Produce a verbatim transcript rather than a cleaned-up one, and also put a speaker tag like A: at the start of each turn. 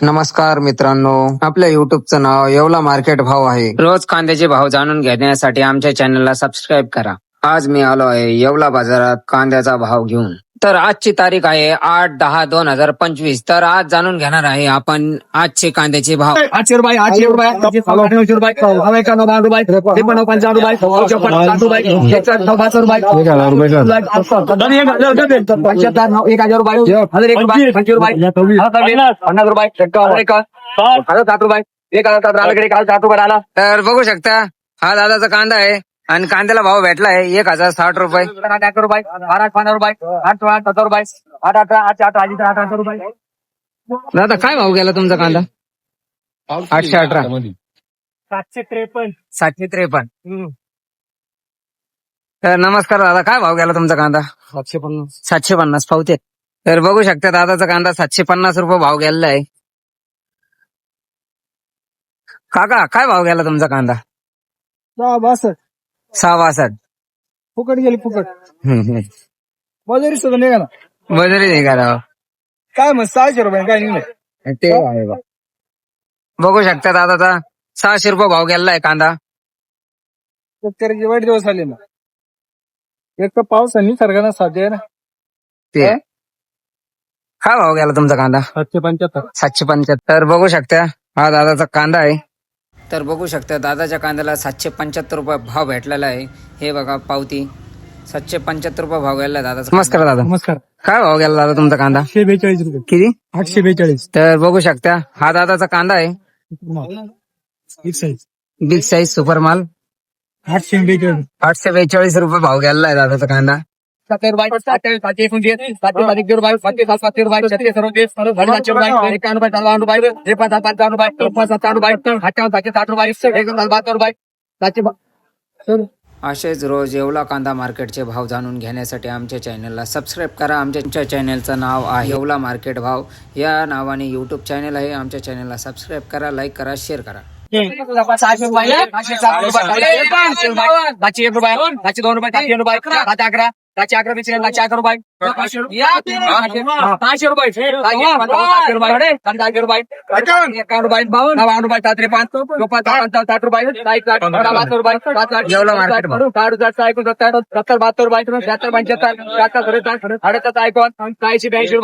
A: नमस्कार मित्रांनो, आपल्या युट्यूबचं नाव येवला मार्केट भाव आहे. रोज कांद्याचे भाव जाणून घेण्यासाठी आमच्या चॅनलला सबस्क्राईब करा. आज मी आलो आहे येवला बाजारात कांद्याचा भाव घेऊन. तर आजची तारीख आहे आठ दहा दोन हजार पंचवीस. तर आज जाणून घेणार आहे आपण आजचे कांद्याचे भाव.
B: आठशे रुपये आठशे रुपये नऊशे रुपये हवा एकावन्न बावन्न रुपये त्रेपन्न पंचावन्न रुपये चौपन्न साठ रुपये एकसष्ट पाच रुपये एक हजार रुपये पंच्याहत्तर नऊ एक हजार रुपये हजार एक रुपये पंचवीस रुपये पन्नास रुपये एकावन्न एकावन्न हजार साठ रुपये एक हजार सात राहिला एक हजार साठ रुपये राहिला.
A: तर बघू शकता हा दादाचा कांदा आहे आणि कांद्याला भाव भेटलाय एक हजार साठ रुपये
B: अकरा रुपये बारा पंधरा रुपये आठ सोळा सत्तर रुपये आठ अठरा आठ आठ आठ आठ अठरा रुपये.
A: दादा काय भाव गेला तुमचा कांदा? आठशे अठरा
B: सातशे त्रेपन्न
A: सातशे त्रेपन्न. तर नमस्कार दादा, काय भाव गेला तुमचा कांदा?
B: सातशे पन्नास
A: सातशे पन्नास पावते. तर बघू शकता दादाचा कांदा सातशे पन्नास रुपये भाव गेलेला आहे. काका काय भाव गेला तुमचा कांदा?
B: सहा बासष्ट
A: सहा बासष्ट.
B: फुकट गेली फुकट
A: हम्म, हम्म.
B: मजुरी सुद्धा निघाला
A: बजरी नाही करा
B: काय मग सहाशे रुपये काय निघाले
A: ते आहे बा. बघू शकता दादाचा सहाशे रुपये भाव गेलेला आहे कांदा.
B: शेतकऱ्याचे वाईट दिवस आले ना. एक तर पाऊस आणि निसर्गाने साध्य आहे ना.
A: ते काय भाव गेला तुमचा कांदा?
B: सातशे पंच्याहत्तर
A: सातशे पंच्याहत्तर. बघू शकता हा दादाचा कांदा आहे. तर बघू शकता दादाच्या कांद्याला सातशे पंच्याहत्तर रुपये भाव भेटलेला आहे. हे बघा पावती सातशे पंच्याहत्तर रुपये भाव गेला दादाचा. नमस्कार दादा.
B: नमस्कार.
A: काय भाव गेला दादा तुमचा कांदा?
B: आठशे बेचाळीस रुपये
A: किती?
B: आठशे बेचाळीस
A: तर बघू शकता हा दादाचा कांदा आहे.
B: एक साईज
A: बिग साईज सुपर माल.
B: आठशे बेचाळीस
A: आठशे बेचाळीस रुपये भाव गेलेला आहे दादाचा कांदा.
B: सत्तर रुपये सातशे सातशे एकोणतीस सातशे सातशे रुपये सातशे सात सातशे रुपये छत्तीस सरोतीस सातशे रुपये एकावन्न रुपये सत्तावन्न रुपये एक पाच सात पंचावन्न रुपये एक पाच सत्तावन्न रुपये अठ्ठावन्न सातशे साठ रुपये एक दोन बहात्तर रुपये सातशे.
A: असेच रोज येवला कांदा मार्केटचे भाव जाणून घेण्यासाठी आमच्या चॅनलला सबस्क्राईब करा. आमच्या चॅनलचं नाव आहे येवला मार्केट भाव. या नावाने युट्यूब चॅनल आहे. आमच्या चॅनलला सबस्क्राईब करा, लाईक करा, शेअर करा.
B: सहाशे रुपये सातशे सात रुपये सातशे एक रुपये सातशे दोन रुपये सातशे रुपये सातशे अकरा सातशे अकरा बेचाळीस सातशे अकरा रुपये सहाशे रुपये सहाशे रुपये सातशे रुपये एकावन्न रुपये बावन्न रुपये सात त्रेपन्न चोपन्न साठ रुपये बहात्तर रुपये साठ एकोणसत्तर सत्तर बहात्तर रुपये शहात्तर पंच्याहत्तर शहात्तर साडेसात ऐकून चाळीस ब्याऐंशी